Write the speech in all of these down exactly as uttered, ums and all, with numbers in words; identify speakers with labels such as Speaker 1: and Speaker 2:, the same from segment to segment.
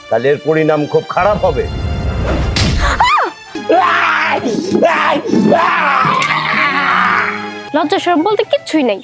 Speaker 1: তাহলে এর পরিণাম খুব খারাপ হবে।
Speaker 2: লজ্জা শরম বলতে কিচ্ছুই নাই।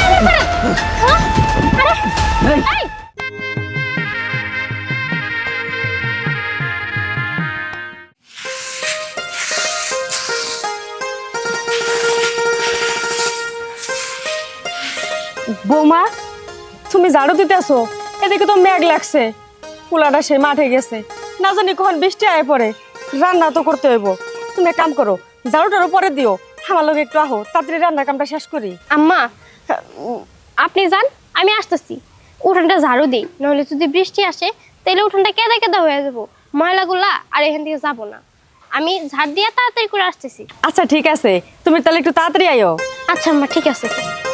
Speaker 3: বৌমা, তুমি ঝাড়ু দিতেছো, এদিকে তো মেঘ লাগছে, পোলাটা সে মাঠে গেছে, না জানি কখন বৃষ্টি আয় পড়ে, রান্না তো করতে হইব। তুমি এক কাম করো, ঝাড়ুটারও পরে দিও, আমার লোক একটু আহো, তাড়াতাড়ি রান্নার কামটা শেষ করি।
Speaker 2: আম্মা উম, আপনি যান, আমি আসতেছি। উঠানটা ঝাড়ু দিই, নাহলে যদি বৃষ্টি আসে তাহলে উঠানটা কেদা কেদা হয়ে যাবো, ময়লাগুলা আর এখান থেকে যাবো না। আমি ঝাড় দিয়ে তাড়াতাড়ি করে আসতেছি।
Speaker 3: আচ্ছা ঠিক আছে, তুমি তাহলে একটু তাড়াতাড়ি আইও।
Speaker 2: আচ্ছা আম্মা, ঠিক আছে।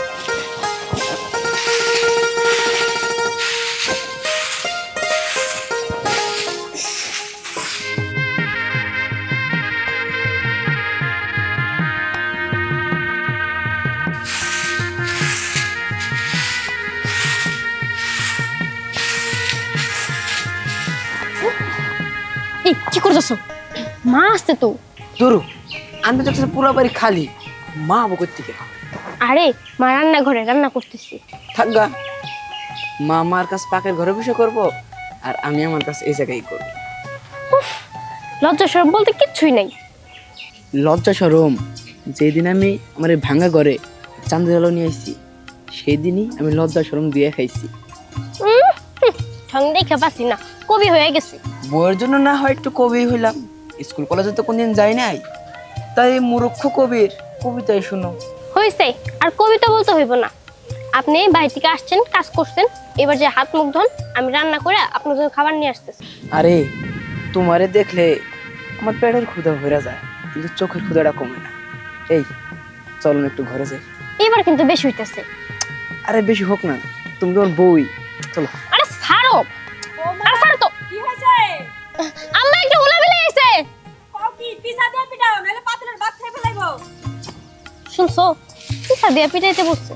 Speaker 2: এই কি করতেছো? মা আসতে তো।
Speaker 4: ধরু আমি তো পুরো বাড়ি খালি, মা বকর থেকে
Speaker 2: আরে মা রান্না ঘরে রান্না করতেছি।
Speaker 4: থাকগা। মা আমার কাছে পাকের ঘরে বসে করব, আর আমি আমার কাছে এই জায়গায় করব।
Speaker 2: লজ্জা শরম বলতে কিচ্ছুই নাই।
Speaker 4: লজ্জা সরম যেদিন আমি আমার এই ভাঙা ঘরে চাঁদের আলো নিয়ে আসছি, সেই দিনই আমি লজ্জা সরম দিয়ে খাইছি।
Speaker 2: উম, হুঁ, ঠং দেখে পাচ্ছি না, কবি হয়ে গেছে।
Speaker 4: বইয়ের জন্য না হয় একটু কবি হইলাম, স্কুল কলেজে তো কোনদিন যাই নাই, তাই মূর্খ কবির কবিতাই শুনো।
Speaker 2: হয়েছে, আর কবিতা বলতে হইব না। আপনি বাড়ি থেকে আসছেন, কাজ করছেন, এবার যে হাত মুখ ধন, আমি রান্না করে আপনার জন্য খাবার নিয়ে আসতেছি।
Speaker 4: আরে তোমারে দেখলে আমার পেটের ক্ষুধা ভরা যায়, কিন্তু চোখের ক্ষুধাটা কমে না। এই চলো না একটু ঘরে যাই।
Speaker 2: এবার কিন্তু বেশি হইতেছে।
Speaker 4: আরে বেশি হোক না, তুমি তোমার বই, চলো।
Speaker 2: আরে ছাড়ো, আরে ছাড়ো তো।
Speaker 3: কি হয়েছে?
Speaker 2: আম্মা একটা উলাবিলে আইছে।
Speaker 3: কও কি পিছা দিয়ে পিটাও, নাহলে পাতিলের ভাত খেয়ে ফেলাইবো।
Speaker 2: শুনছো, পিছা দিয়া পিটাইতে বসছে।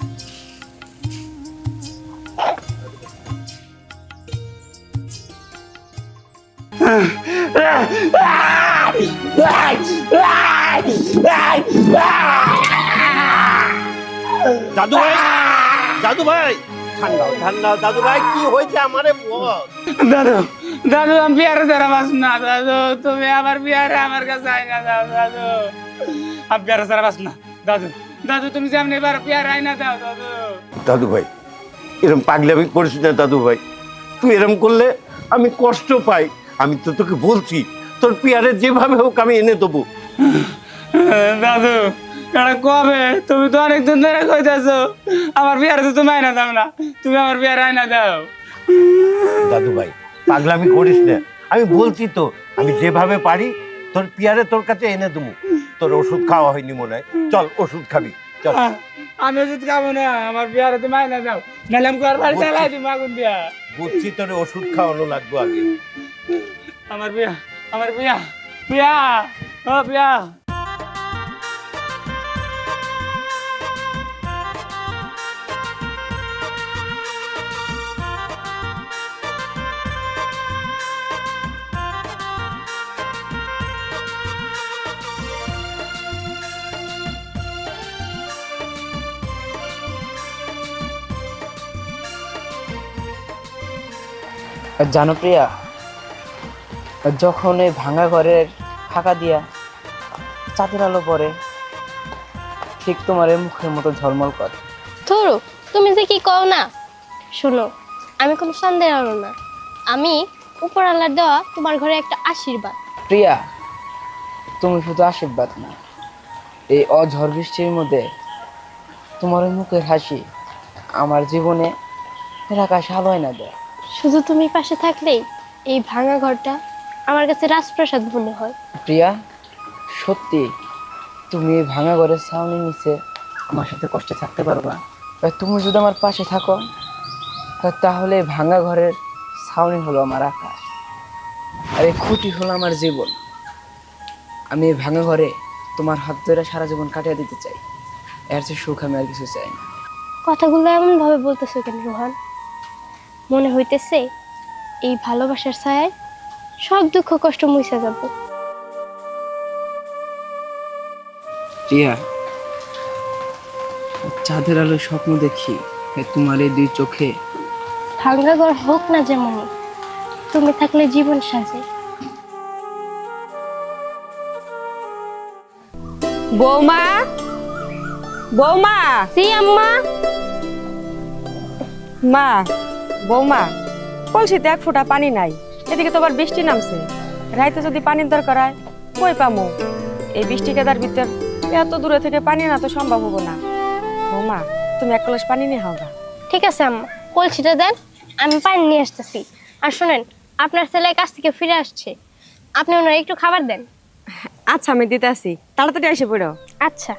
Speaker 1: দাদু ভাই, দাদু ভাই, ঠান্ডা ঠান্ডা। দাদু ভাই কি হয়েছে আমারে বল।
Speaker 5: দাদু দাদু আমি বিয়ারে যারা বাস না দাদু, তুমি আমার বিয়ারে আমার কাছে আই না দাও দাদু, আমি বিয়ারে যারা বাস না দাদু। দাদু তুমি যেমনি এবার বিয়ারে আই না দাও দাদু।
Speaker 1: দাদু ভাই, এরকম পাগলামি করিস না দাদু ভাই। তুই এরকম করলে আমি কষ্ট পাই। আমি তো তোকে বলছি, তোর পিয়ারে যেভাবে হোক আমি এনে দেবো।
Speaker 5: দাদু এটা কবে? তুমি তো অনেকদিন ধরে কইতেছো আমার বিয়ারে তো তুমি আইনা দাও না, তুমি আমার বিয়ারে আইনা দাও।
Speaker 1: দাদু ভাই পাগলামি করিস না, আমি বলছি তো আমি যেভাবে পারি তোর পিয়ারে তোর কাছে এনে দেবো। তোর ওষুধ খাওয়া হয়নি মনে হয়, চল ওষুধ খাবি চল।
Speaker 5: আহ, আমি ওষুধ খাবো না, আমার বিয়ারে তুমি আইনা দাও, নাহলে আমি ঘর বাড়ি চালাই দিই আগুন দিয়া।
Speaker 1: বুঝছি তোর ওষুধ খাওয়ানো লাগবে আগে।
Speaker 5: আমার বিয়া, আমার বিয়া, বিয়া, ও বিয়া।
Speaker 4: জানো প্রিয়া, যখন এই ভাঙা ঘরের ফাঁকা দিয়া চাঁদের আলো পড়ে, ঠিক তোমার এই মুখের মতো ঝলমল করে।
Speaker 2: ধরো তুমি যে কি কও না, শোনো আমি কোনো সন্দেহ আনো না, আমি উপরওয়ালার দেওয়া তোমার ঘরে একটা আশীর্বাদ।
Speaker 4: প্রিয়া, তুমি শুধু আশীর্বাদ না, এই অঝড় বৃষ্টির মধ্যে তোমার ওই মুখের হাসি আমার জীবনে আকাশ আলো না দেয়।
Speaker 2: শুধু তুমি পাশে থাকলেই এই ভাঙা ঘরটা আমার কাছে রাজপ্রাসাদ মনে হয়।
Speaker 4: প্রিয়া, সত্যি তুমি এই ভাঙা ঘরের ছাউনির নিচে আমার সাথে কষ্টে থাকতে পারবা? আর তুমি যদি আমার পাশে থাকো, তাহলে এই ভাঙা ঘরের ছাউনি হলো আমার আকাশ, আর এই খুঁটি হলো আমার জীবন। আমি এই ভাঙা ঘরে তোমার হাত ধরে সারা জীবন কাটিয়ে দিতে চাই, এর চেয়ে সুখ আমি আর কিছু চাই না।
Speaker 2: কথাগুলো এমন ভাবে বলতেছো কেন রোহান? মনে হইতেছে এই ভালোবাসার ছায়ায় সব দুঃখ কষ্ট মুছে যাব।
Speaker 4: টিয়া, চাঁদের আলো স্বপ্ন দেখি এ তোমার এই দুই চোখে।
Speaker 2: ভাঙ্গা ঘর হোক না যেমন, তুমি থাকলে জীবন সাজে।
Speaker 3: বৌমা, বৌমা,
Speaker 2: জি আম্মা।
Speaker 3: মা, বৌমা, কলসিতে এক ফোঁটা পানি নাই, এদিকে তো আবার বৃষ্টি নামছে। রাইতে যদি পানির দরকার হয় কই পামু? এই বৃষ্টি কেদার ভিতর এত দূরে থেকে পানি না তো সম্ভব হবো না। বৌমা, তুমি এক কলস পানি নিয়ে হাওগা।
Speaker 2: ঠিক আছে আম্মা, কলসিটা দেন, আমি পানি নিয়ে আসতেছি। আর শোনেন, আপনার ছেলে কাছ থেকে ফিরে আসছে, আপনি ওনার একটু খাবার দেন।
Speaker 3: আচ্ছা, আমি দিতে আসি, তাড়াতাড়ি এসে পড়ো।
Speaker 2: আচ্ছা।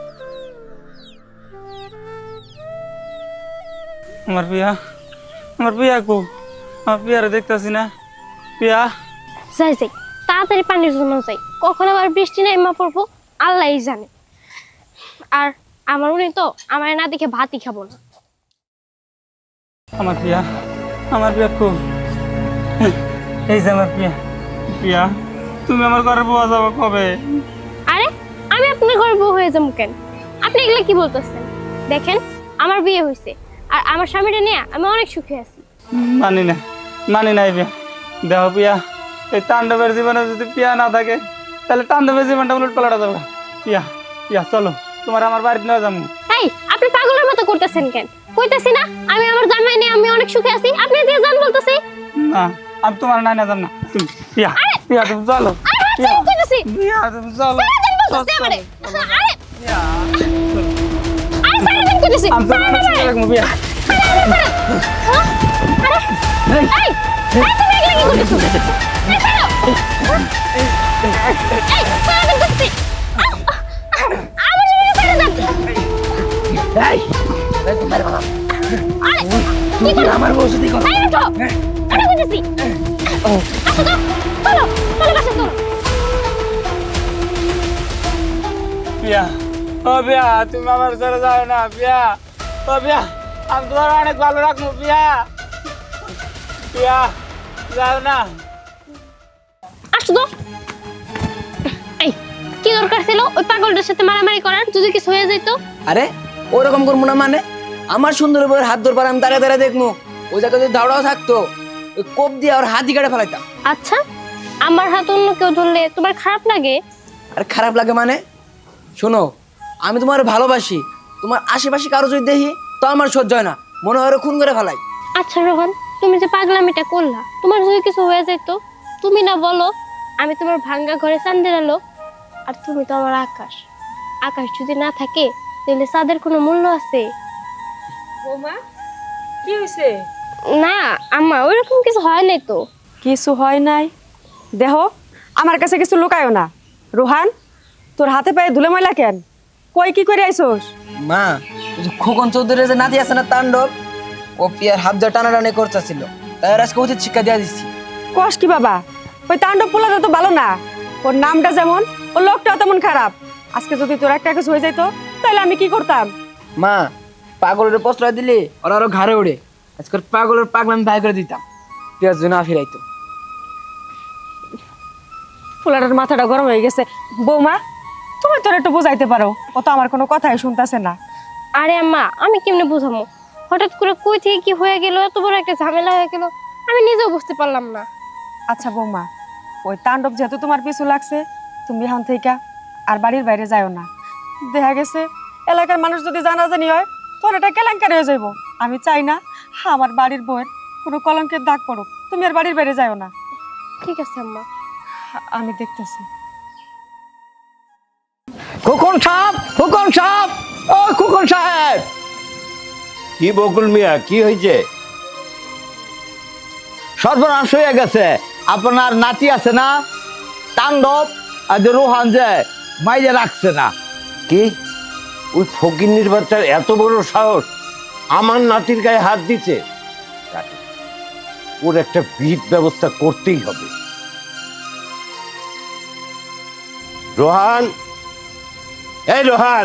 Speaker 5: আমার পিয়া, আমার পিয়া কো? আমার পিয়ারে দেখতেছি না। পিয়া,
Speaker 2: যাই যাই, তাড়াতাড়ি পানির জন্য যাই, কখন আবার বৃষ্টি নেমে পড়বো আল্লাহই জানে। আর আমার উনি তো আমার না দেখে ভাতই খাবো না।
Speaker 5: আমার পিয়া, আমার পিয়া কো? এই যে আমার পিয়া। পিয়া, তুমি আমার ঘরে বউয়া যাবো কবে?
Speaker 2: আরে আমি আপনার ঘরে বউ হয়ে যাবো কেন? আপনি এগুলো কি বলতেছেন? দেখেন, আমার বিয়ে হয়েছে আর আমার স্বামীটা নিয়ে আমি অনেক সুখে আছি।
Speaker 5: মানি না, মানি নাই পিয়া। দেখো পিয়া, এই তাণ্ডবের জীবনে যদি পিয়া না থাকে তাহলে তাণ্ডবের জীবনটা উলট পাল্টা যাবে। পিয়া, পিয়া চলো, তোমার আমার বাড়িতে নিয়ে যাবো।
Speaker 2: এই, আপনি পাগলের মতো করতেছেন কেন? কইতেছি না আমি আমার জামাই নিয়ে আমি অনেক সুখে আছি, আপনি দিয়ে জান বলতেছি।
Speaker 5: না, আমি তোমার নাই না যাম না। তুমি পিয়া, পিয়া তুমি চলো।
Speaker 2: আরে হাত ছেড়ে কইতেছি,
Speaker 5: পিয়া তুমি চলো।
Speaker 2: জান বলতেছি আমারে। আরে
Speaker 5: পিয়া, চলো।
Speaker 2: আরে সারা দিন কইতেছি,
Speaker 5: আমি
Speaker 2: সারা
Speaker 5: তোমার
Speaker 2: দিন
Speaker 5: সাথে রাখবো পিয়া।
Speaker 2: এই, এই, তুমি এগুলো কি করতেছো? এই, ছাড়ো। এই, সারা দিন কইতেছি। আমার জন্য ছেড়ে দেন।
Speaker 4: এই,
Speaker 2: আরে কি করো?
Speaker 4: আমার বউ সাথে কথা।
Speaker 2: এই ওঠো, আমি কইতেছি। আসো তো, চলো, চলো বাসা চলো।
Speaker 5: পিয়া, ও পিয়া, তুমি আমার ছেড়ে যাও না পিয়া। ও পিয়া, আমি তোমার অনেক ভালো রাখবো পিয়া। পিয়া, যাও না।
Speaker 2: আসো তো। এই, কি দরকার ছিল ওই পাগলটার সাথে মারামারি করার? যদি কিছু হয়ে যেত?
Speaker 4: আরে ওরকম করবো না মানে? আমার সুন্দর বউয়ের হাত ধরবার আমি দাঁড়িয়ে দাঁড়িয়ে দেখবো। ওই জায়গায় যদি দাওড়াও থাকতো, ওই কোপ দিয়ে ওর হাতই কেটে ফেলাইতাম।
Speaker 2: আচ্ছা, আমার হাত অন্য কেউ ধরলে তোমার খারাপ লাগে?
Speaker 4: আর খারাপ লাগে মানে? শোনো, আমি তোমার ভালোবাসি, তোমার আশেপাশে কারো যদি দেখি তো আমার সহ্য হয় না, মনে হয় ওরা খুন করে ফেলাই।
Speaker 2: আচ্ছা রোহন, তুমি যে পাগলামিটা করলা, তোমার যদি কিছু হয়ে যেত, তুমি না বলো আমি তোমার ভাঙ্গা ঘরে চাঁদের আলো, আর তুমি তো আমার আকাশ। আকাশ যদি না থাকে তাহলে চাঁদের কোনো মূল্য আছে?
Speaker 3: বৌমা, কি হয়েছে?
Speaker 2: না আম্মা, ওইরকম কিছু হয় নাই তো।
Speaker 3: কিছু হয় নাই? দেহ, আমার কাছে কিছু লুকায়ও না। রোহান, তোর হাতে পায়ে ধুলে ময়লা কেন? কই কি করে আইসোস?
Speaker 4: মা, ওই যে খোকন চৌধুরীর যে নাতি আছে না তাণ্ডব, ও পিয়ার হাত ধরে টানাটানি করতেছিল, তাই ওর আজকে উচিত শিক্ষা দিয়ে দিচ্ছি।
Speaker 3: কস কি বাবা? ওই তাণ্ডব পোলাটা তো ভালো না, ওর নামটা যেমন ওর লোকটাও তেমন খারাপ। আজকে যদি তোর একটা কিছু হয়ে যেত তাহলে আমি কি করতাম?
Speaker 4: মা, পাগলের প্রশ্রয় দিলে ওরা আরো ঘাড়ে ওড়ে। আজকে ওর পাগলের পাগল আমি ভাই করে দিতাম, পেঁয়াজ না ফিরাইতো।
Speaker 3: পোলাটার মাথাটা গরম হয়ে গেছে। বৌমা, তুমি তোর একটু বুঝাইতে পারো, ও তো আমার কোনো কথাই শুনতেছে না।
Speaker 2: আরে আম্মা, আমি কেমনে বুঝামো? হঠাৎ করে কই থেকে কি হয়ে গেল, এত বড় একটা ঝামেলা হয়ে গেল, আমি নিজেও বুঝতে পারলাম না।
Speaker 3: আচ্ছা বৌমা, ওই তাণ্ডব যেহেতু তোমার পিছু লাগছে, তুমি এখন থেকে আর বাড়ির বাইরে যাও না। দেখা গেছে এলাকার মানুষ যদি জানাজানি হয় তোর এটা কেলেঙ্কারি হয়ে যাইব। আমি চাই না আমার বাড়ির বউয়ের কোনো কলঙ্কের দাগ পড়ুক। তুমি আর বাড়ির বাইরে যাও না।
Speaker 2: ঠিক আছে আম্মা।
Speaker 3: আমি দেখতেছি।
Speaker 1: খোকন সাহেব, খোকন সাহেব, ও খোকন সাহেব। কি বকুল মিয়া, কি হয়েছে?
Speaker 6: সর্বনাশ হয়ে গেছে। আপনার নাতি আছে না তাণ্ডব, আর যে রোহান যে মাইরে রাখছে না।
Speaker 1: কি ওই ফকিন্নির বাচ্চার এত বড় সাহস আমার নাতির গায়ে হাত দিচ্ছে? ওর একটা বিহিত ব্যবস্থা করতেই হবে। রোহান, এই রোহান।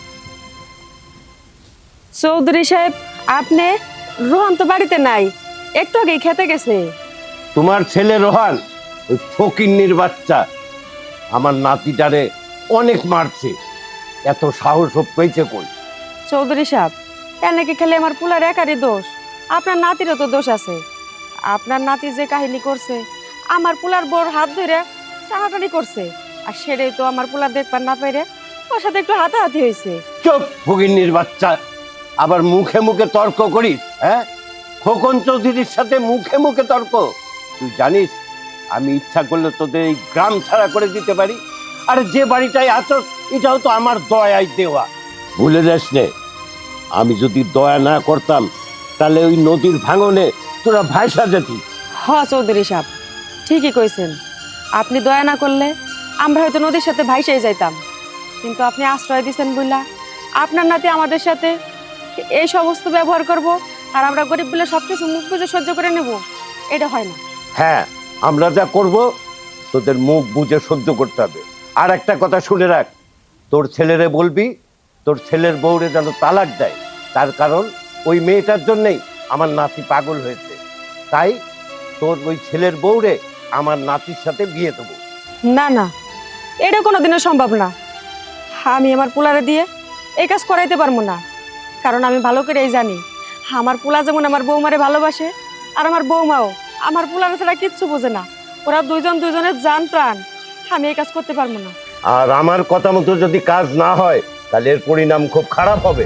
Speaker 3: চৌধুরী সাহেব, আপনি? রোহন তো বাড়িতে নাই, একটু আগেই খেতে গেছে।
Speaker 1: তোমার ছেলে রোহান ওই ফকিন্নির বাচ্চা আমার নাতিটারে অনেক মারছে, এত সাহস ও পেয়েছে কই?
Speaker 3: চৌধুরী সাহেব, এনেকে খেলে আমার পুলার একারই দোষ, আপনার নাতিরও তো দোষ আছে। আপনার নাতি যে কাহিনী করছে, আমার পুলার বড় হাত ধরে টানাটানি করছে, আর সেটাই তো আমার পুলার দেখবার না পেরে ওর সাথে একটু হাতাহাতি হয়েছে।
Speaker 1: চুপ ফকিন্নির বাচ্চা, আবার মুখে মুখে তর্ক করিস? হ্যাঁ, খোকন চৌধুরীর সাথে মুখে মুখে তর্ক? তুই জানিস আমি ইচ্ছা করলে তোদের এই গ্রাম ছাড়া করে দিতে পারি। আর যে বাড়িটায় আছো এটাও তো আমার দয়ায় দেওয়া, ভুলে যাস নে। আমি যদি দয়া না করতাম তাহলে ওই নদীর ভাঙনে তোরা ভাইসা যেতি।
Speaker 3: হ চৌধুরী সাহেব, ঠিকই কইছেন। আপনি দয়া না করলে আমরা হয়তো নদীর সাথে ভাইসাই যাইতাম, কিন্তু আপনি আশ্রয় দিচ্ছেন বইলা আপনার নাতি আমাদের সাথে এই সমস্ত ব্যবহার করব, আর আমরা গরিব বলে সবকিছু মুখ বুঝে সহ্য করে নেব, এটা হয় না।
Speaker 1: হ্যাঁ, আমরা যা করব তোদের মুখ বুঝে সহ্য করতে হবে। আর একটা কথা শুনে রাখ, তোর ছেলেরে বলবি তোর ছেলের বউরে যেন তালাক দেয়, তার কারণ ওই মেয়েটার জন্যই আমার নাতি পাগল হয়েছে। তাই তোর ওই ছেলের বউরে আমার নাতির সাথে বিয়ে দেবো।
Speaker 3: না না, এটা কোনোদিনও সম্ভব না। আমি আমার পুলারে দিয়ে এই কাজ করাইতে পারবো না, কারণ আমি ভালো করেই জানি আমার পুলা যেমন আমার বৌমারে ভালোবাসে, আর আমার বৌমাও আমার পুলারে ছাড়া কিচ্ছু বোঝে না। ওরা দুইজন দুইজনের জান প্রাণ। আমি এই কাজ করতে পারবো না।
Speaker 1: আর আমার কথা মতো যদি কাজ না হয় তাহলে এর পরিণাম খুব খারাপ হবে।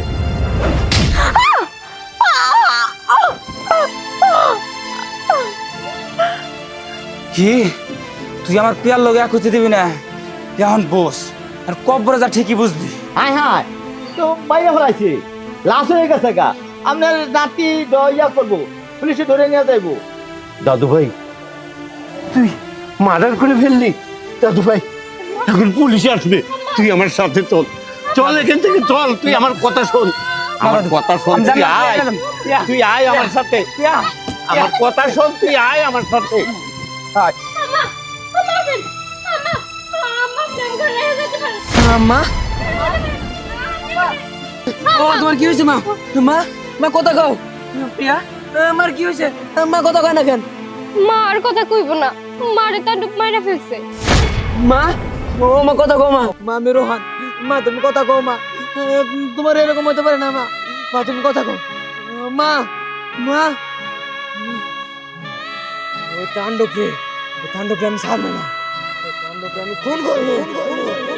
Speaker 5: কি তুই আমার পিয়ার লগে এক হতে দিবি না? এখন বস, আর কব্বরে যা ঠিকই বুঝবি।
Speaker 6: হাই হাই, তো বাইরে ফেলাইছি, লাশ হয়ে গেছে গা। আপনার নাতি ইয়া করবো, পুলিশে ধরে নিয়ে যাইবো।
Speaker 1: দাদু ভাই, তুই মার্ডার করে ফেললি? দাদু ভাই, এখন পুলিশ আসবে, তুই আমার সাথে চল, চল এখান থেকে চল। তুই আমার কথা শোন, আমার কথা শোন,
Speaker 5: আমি
Speaker 1: তুই
Speaker 5: জানি না,
Speaker 1: আয়,
Speaker 5: আমি জানি।
Speaker 1: তুই আয় আমার সাথে, আমার কথা শোন, তুই আয় আমার সাথে, আয়।
Speaker 4: মা, ও তোমার কি হয়েছে মা? মা, মা কথা কও। প্রিয়া, আমার কি হয়েছে? মা কথা কয় না কেন?
Speaker 2: মা আর কথা কইব না, মারে তান্ডব মাইরা ফেলছে।
Speaker 4: মা, ও মা কথা কও মা। মা আমি রোহান, মা তুমি কথা কও মা। তোমার এরকম হতে পারে না মা। মা তুমি কথা কও মা। মা, ওই তাণ্ডবকে, ওই তাণ্ডবকে আমি ছাড়বো না, ওই তাণ্ডবকে আমি খুন করবো।